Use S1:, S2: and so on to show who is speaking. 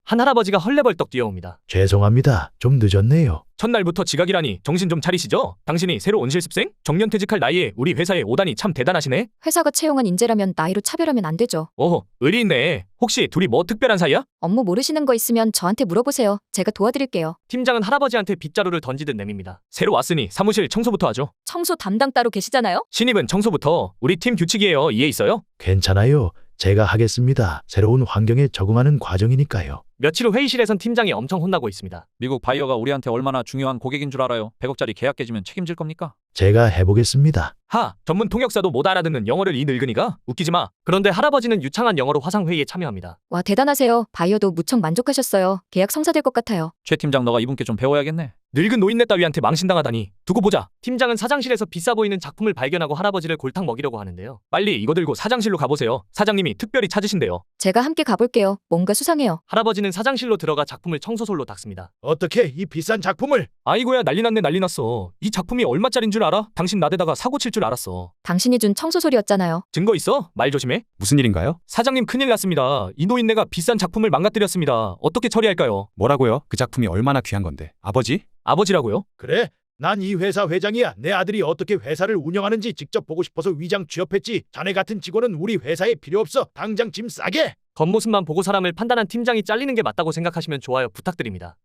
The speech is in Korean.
S1: 한 할아버지가 헐레벌떡 뛰어옵니다.
S2: 죄송합니다. 좀 늦었네요.
S1: 첫날부터 지각이라니 정신 좀 차리시죠? 당신이 새로 온 실습생? 정년퇴직할 나이에 우리 회사에 오다니 참 대단하시네.
S3: 회사가 채용한 인재라면 나이로 차별하면 안 되죠.
S1: 오호, 의리 있네. 혹시 둘이 뭐 특별한 사이야?
S3: 업무 모르시는 거 있으면 저한테 물어보세요. 제가 도와드릴게요.
S1: 팀장은 할아버지한테 빗자루를 던지듯 내밉니다. 새로 왔으니 사무실 청소부터 하죠.
S3: 청소 담당 따로 계시잖아요?
S1: 신입은 청소부터. 우리 팀 규칙이에요. 이해 있어요?
S2: 괜찮아요. 제가 하겠습니다. 새로운 환경에 적응하는 과정이니까요.
S1: 며칠 후 회의실에선 팀장이 엄청 혼나고 있습니다.
S4: 미국 바이어가 우리한테 얼마나 중요한 고객인 줄 알아요? 100억짜리 계약 깨지면 책임질 겁니까?
S2: 제가 해보겠습니다.
S1: 하, 전문 통역사도 못 알아듣는 영어를 이 늙은이가? 웃기지 마. 그런데 할아버지는 유창한 영어로 화상회의에 참여합니다.
S3: 와, 대단하세요. 바이어도 무척 만족하셨어요. 계약 성사될 것 같아요.
S4: 최 팀장 너가 이분께 좀 배워야겠네.
S1: 늙은 노인네 따위한테 망신당하다니. 두고 보자. 팀장은 사장실에서 비싸 보이는 작품을 발견하고 할아버지를 골탕 먹이려고 하는데요. 빨리 이거 들고 사장실로 가보세요. 사장님이 특별히 찾으신대요.
S3: 제가 함께 가볼게요. 뭔가 수상해요.
S1: 할아버지는 사장실로 들어가 작품을 청소솔로 닦습니다.
S2: 어떻게 이 비싼 작품을?
S1: 아이고야, 난리 났네, 난리 났어. 이 작품이 얼마짜린 줄 알아? 당신 나대다가 사고 칠 줄 알았어.
S3: 당신이 준 청소소리였잖아요.
S1: 증거 있어? 말 조심해.
S5: 무슨 일인가요?
S1: 사장님, 큰일 났습니다. 이 노인네가 비싼 작품을 망가뜨렸습니다. 어떻게 처리할까요?
S5: 뭐라고요? 그 작품이 얼마나 귀한 건데. 아버지?
S1: 아버지라고요?
S2: 그래? 난 이 회사 회장이야. 내 아들이 어떻게 회사를 운영하는지 직접 보고 싶어서 위장 취업했지. 자네 같은 직원은 우리 회사에 필요 없어. 당장 짐 싸게.
S1: 겉모습만 보고 사람을 판단한 팀장이 잘리는 게 맞다고 생각하시면 좋아요 부탁드립니다.